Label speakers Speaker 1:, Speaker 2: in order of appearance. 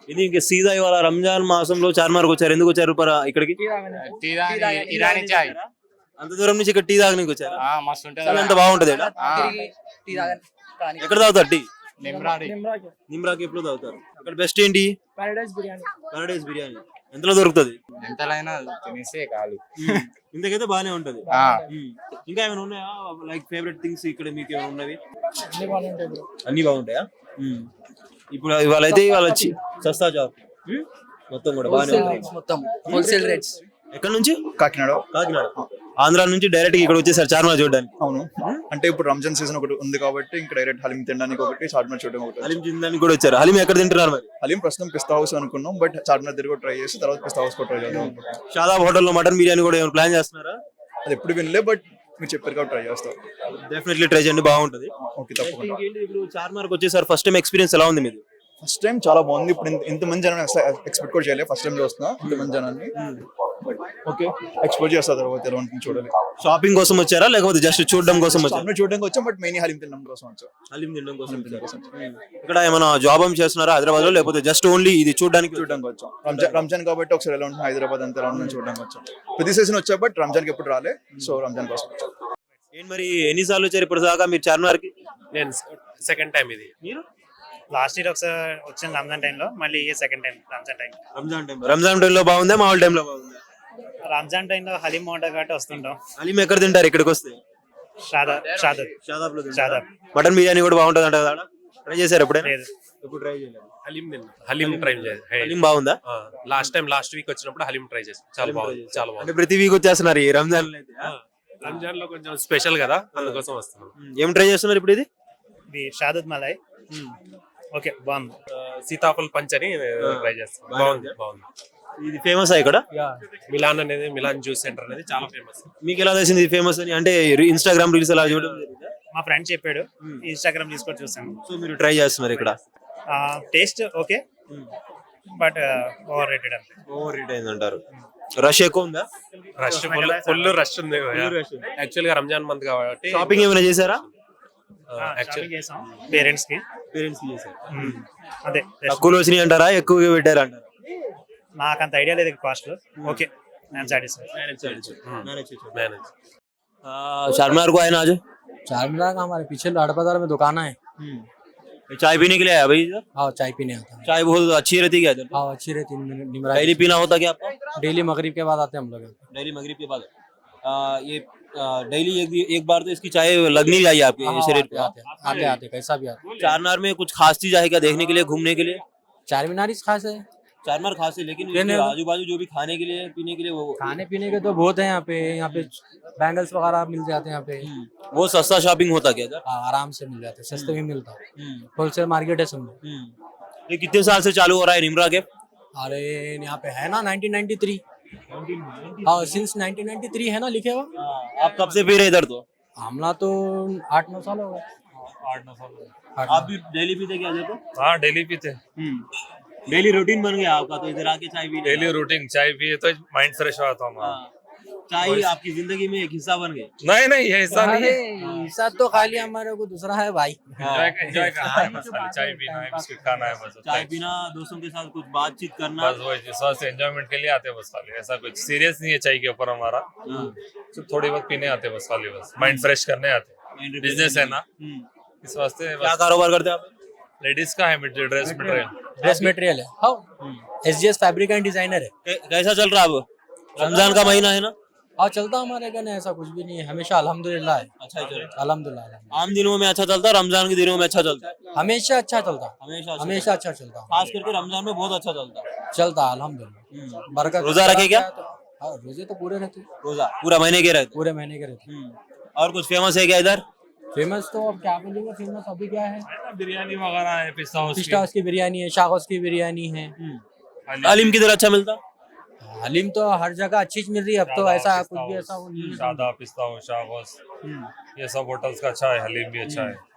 Speaker 1: ఇది ఇంకా సీదా ఇవాళ రంజాన్ మాసంలో చార్మార్కి వచ్చారు. ఎందుకు వచ్చారు ఇక్కడికి?
Speaker 2: ఇరానీ చాయ్
Speaker 1: అంత దూరం నుంచి ఇక్కడ టీ తాగడానికి వచ్చారు.
Speaker 2: మస్తు ఉంటది.
Speaker 1: ఎంత బాగుంటది ఈడ? ఎక్కడ తాగుతారు టీ? నిమ్రాకి ఎప్పుడు తాగుతారు? అక్కడ బెస్ట్ ఏంటి? పారడైస్ బిర్యానీ ఎంతలో దొరుకుతుంది?
Speaker 2: ఎంతలైనా తినేసే కాదు.
Speaker 1: ఇంతకైతే బాగానే ఉంటది. ఇంకా ఏమైనా ఉన్నాయా లైక్ ఫేవరెట్ థింగ్స్ ఇక్కడ మీకు ఏమైనా ఉన్నవి? అన్ని బాగుంటాయా? ఇప్పుడు ఇవాళ అయితే ఇవాళ వచ్చి సస్తా జాబ్ మొత్తం కూడా బాగానే ఉంటాయి.
Speaker 3: మొత్తం హోల్సేల్ రేట్స్.
Speaker 1: ఎక్కడ నుంచి?
Speaker 4: కాకినాడ.
Speaker 1: ఆంధ్ర నుంచి డైరెక్ట్ ఇక్కడ వచ్చేసారు చార్మినార్ చూడడానికి.
Speaker 4: అవును, అంటే ఇప్పుడు రంజాన్ సీజన్ ఒకటి ఉంది కాబట్టి ఇంకా డైరెక్ట్ హలీం తినడానికి ఒకటి, చార్మినార్ చూడడానికి ఒకటి.
Speaker 1: హలీం తినడానికి కూడా వచ్చారు. హలీం ఎక్కడ తింటున్నారు మరి?
Speaker 4: హలీం ప్రస్తుతం పిస్తా హౌస్ అనుకున్నాం, బట్ చార్మినార్ దగ్గర కూడా ట్రై చేసి తర్వాత పిస్తా హౌస్ కూడా ట్రై చేద్దాం.
Speaker 1: షాదాబ్ హోటల్లో మటన్ బిర్యానీ కూడా ఏమైనా ప్లాన్ చేస్తున్నారా?
Speaker 4: అది ఎప్పుడు వినలే, బట్ మీరు చెప్పారు కాబట్టి ట్రై చేస్తాం.
Speaker 1: డెఫినెట్లీ ట్రై చేయండి, బాగుంటది.
Speaker 4: ఓకే, తప్పకుండా.
Speaker 1: ఇప్పుడు చార్మినార్కి వచ్చేసారు, ఫస్ట్ టైం ఎక్స్పీరియన్స్ ఎలా ఉంది మీది?
Speaker 4: ఫస్ట్ టైం చాలా బాగుంది. ఇప్పుడు ఇంత మంది జనాన్ని ఎక్స్పెక్ట్ కూడా చేయలేదు. ఫస్ట్ టైం చూస్తున్నా ఇంత మంది జనాన్ని. ఓకే, ఎక్స్పెక్ట్ చేస్తా తర్వాత ఎలా ఉంటుంది చూడాలి.
Speaker 1: షాపింగ్ కోసం వచ్చారా లేకపోతే జస్ట్ చూడడం కోసం వచ్చారా?
Speaker 4: చూడడానికి వచ్చాం, బట్ మెయిన్ హలీం తినడం కోసం వచ్చాం.
Speaker 1: హలీం తినడం కోసం. ఇక్కడ ఏమైనా జాబ్ చేస్తున్నారా హైదరాబాద్ లో లేకపోతే జస్ట్ ఓన్లీ ఇది చూడడానికి
Speaker 4: వచ్చాం? రంజాన్ కాబట్టి ఒకసారి ఎలా ఉంటుంది హైదరాబాద్ అంతా ఎలా ఉంటుంది చూడడానికి వచ్చాం. ప్రతి సీజన్ వచ్చా, బట్ రంజాన్ కి ఎప్పుడు రాలే, సో రంజాన్ కోసం వచ్చాం.
Speaker 1: ఏంటి మరి ఎన్నిసార్లు వచ్చారు ఇప్పుడు దాకా మీరు చార్మినార్ కి?
Speaker 5: నేను సెకండ్ టైం ఇది.
Speaker 1: మీరు
Speaker 5: లాస్ట్ ఇయర్ ఒకసారి వచ్చిన రంజాన్ టైంలో, మళ్ళీ సెకండ్ టైం
Speaker 1: రంజాన్ టైం లో బాగుందా మామూలు టైం లో బాగుందా?
Speaker 5: రంజాన్ టైంలో హలీం బాగుంటుంది కాబట్టి వస్తుంటాం.
Speaker 1: హలీం ఎక్కడ తింటారు ఇక్కడికి వస్తే?
Speaker 5: షాదాబ్.
Speaker 1: మటన్ బిర్యానీ కూడా బాగుంటుంది అంట. ట్రై చేశారు ఎప్పుడైనా?
Speaker 5: ఎప్పుడు
Speaker 1: ట్రై చేయలేదు.
Speaker 5: హలీం ట్రై చేయాలి.
Speaker 1: హలీం బాగుందా?
Speaker 5: లాస్ట్ వీక్ వచ్చినప్పుడు హలీం ట్రై చేసి చాలా బాగుంది.
Speaker 1: అంటే ప్రతి వీక్ వచ్చేస్తున్నారు ఈ రంజాన్ లో?
Speaker 5: రంజాన్ లో కొంచెం స్పెషల్ కదా, అందుకోసం వస్తున్నాం.
Speaker 1: ఏం ట్రై చేస్తున్నారు ఇప్పుడు?
Speaker 5: ఇది షాదత్ మలై. ఓకే, బాగుంది. సీతాఫల్ పంచ్ అని ట్రై చేస్తాం. బాగుంది.
Speaker 1: ఇది ఫేమస్ ఇక్కడ?
Speaker 5: మిలాన్ అనేది, మిలాన్ జ్యూస్ సెంటర్ అనేది చాలా ఫేమస్.
Speaker 1: మీకు ఎలా తెలిసింది ఇది ఫేమస్ అని? అంటే ఇన్స్టాగ్రామ్ రీల్స్ అలా చూడడం?
Speaker 5: మా ఫ్రెండ్ చెప్పాడు, ఇన్స్టాగ్రామ్ తీసుకొని చూసాను.
Speaker 1: సో మీరు ట్రై చేస్తున్నారు ఇక్కడ?
Speaker 5: Taste okay, but over rated
Speaker 1: అయింది అంటారు. రష్ ఎక్కువ ఉందా?
Speaker 5: ఫుల్ రష్ ఉంది యాక్చువల్ గా రంజాన్ మంత్ కాబట్టి.
Speaker 1: షాపింగ్ ఏమైనా చేశారా?
Speaker 5: పేరెంట్స్ కి
Speaker 1: చేశారు.
Speaker 5: అదే
Speaker 1: తక్కువలో వచ్చినాయి అంటారా ఎక్కువగా పెట్టారు అంటారా?
Speaker 5: నాకు అంత ఐడియా లేదు కాస్ట్. ఓకే,
Speaker 1: चारमीनार को आए ना आज?
Speaker 3: चारमीनार का हमारे पीछे लाड़ बाजार में दुकान है।
Speaker 1: चाय पीने के लिए आया भाई इधर?
Speaker 3: हाँ, चाय पीने आता है।
Speaker 1: चाय बहुत अच्छी रहती है इधर?
Speaker 3: हाँ, अच्छी रहती है।
Speaker 1: डेली पीना होता क्या आपका?
Speaker 3: डेली मगरिब के बाद आते हैं हम लोग।
Speaker 1: डेली मगरिब के बाद ये डेली एक बार तो इसकी चाय लगनी चाहिए आपके शरीर पे?
Speaker 3: आते कैसा भी आते।
Speaker 1: चारमीनार में कुछ खास चीज है क्या देखने के लिए, घूमने के लिए?
Speaker 3: चारमीनार ही खास है।
Speaker 1: चारमीनार खास है, लेकिन आजू बाजू जो भी खाने के लिए पीने के लिए वो
Speaker 3: खाने पीने के तो बहुत है यहाँ पे बैंगल्स वगैरह मिल जाते हैं यहाँ पे।
Speaker 1: वो सस्ता शॉपिंग होता क्या इधर?
Speaker 3: आराम से मिल जाते हैं, सस्ते भी मिलता है। होलसेल मार्केट है समझो।
Speaker 1: ये कितने साल से चालू हो रहा है निमरा के?
Speaker 3: अरे यहाँ पे है ना 1993। हाँ, सिंस 1993 है ना लिखे हुआ।
Speaker 1: आप कब से पी रहे इधर? तो
Speaker 3: हमला तो 8-9 साल हो गए।
Speaker 1: 8-9 साल हो गए। आप भी डेली पीते क्या जाते?
Speaker 5: हाँ, डेली पीते।
Speaker 1: डेली रूटीन बन गया आपका, तो इधर आके चाय पी?
Speaker 5: डेली रूटीन, चाय पिए तो माइंड फ्रेश होता हमारा।
Speaker 1: चाय आपकी जिंदगी में एक हिस्सा बन गया?
Speaker 5: नहीं, ये हिस्सा नहीं है।
Speaker 3: हिस्सा तो खाली हमारे को दूसरा है भाई।
Speaker 5: एंजॉय करना है, बस खाली चाय पीना है, बिस्किट खाना है, बस
Speaker 1: चाय पीना, दोस्तों के साथ कुछ बातचीत करना,
Speaker 5: बस वही स्वास्थ्य एंजॉयमेंट के लिए आते हैं बस खाली। ऐसा कुछ सीरियस नहीं है चाय के ऊपर हमारा। तो थोड़ी बहुत पीने आते हैं बस खाली, बस माइंड फ्रेश करने आते हैं। बिजनेस है ना, इस वास्ते।
Speaker 1: क्या कारोबार करते हैं आप?
Speaker 5: लेडीज का है ड्रेस
Speaker 3: मटेरियल है। हाँ, SGS फैब्रिक एंड डिजाइनर है।
Speaker 1: कैसा चल रहा है अब? रमजान का महीना है ना?
Speaker 3: हाँ, चलता हमारे घर ऐसा कुछ भी नहीं है, हमेशा अल्हम्दुलिल्लाह है।
Speaker 1: अच्छा चल रहा है?
Speaker 3: अल्हम्दुलिल्लाह।
Speaker 1: आम दिनों में अच्छा चलता है, रमजान के दिनों में अच्छा चलता है?
Speaker 3: हमेशा अच्छा चलता, हमेशा अच्छा चलता,
Speaker 1: खास करके रमजान में बहुत अच्छा चलता है।
Speaker 3: अल्हम्दुलिल्लाह। बरकत।
Speaker 1: रोजा रखे क्या?
Speaker 3: हाँ, रोजे तो पूरे रहते।
Speaker 1: रोजा पूरा महीने के रहते?
Speaker 3: पूरे महीने के रहते।
Speaker 1: और कुछ फेमस है क्या इधर?
Speaker 3: फेमस तो अब क्या बोलेंगे, फेमस अभी क्या है,
Speaker 5: बिरयानी वगैरह है, पिस्ता
Speaker 3: हाउस की बिरयानी है, शाह हाउस की बिरयानी है।
Speaker 1: हलीम किधर अच्छा मिलता?
Speaker 3: हलीम तो हर जगह अच्छी मिल रही है अब तो, ऐसा कुछ भी ऐसा वो नहीं है।
Speaker 5: शादा, पिस्ता, शाह हाउस, ये सब होटल्स का अच्छा है, हलीम भी अच्छा है।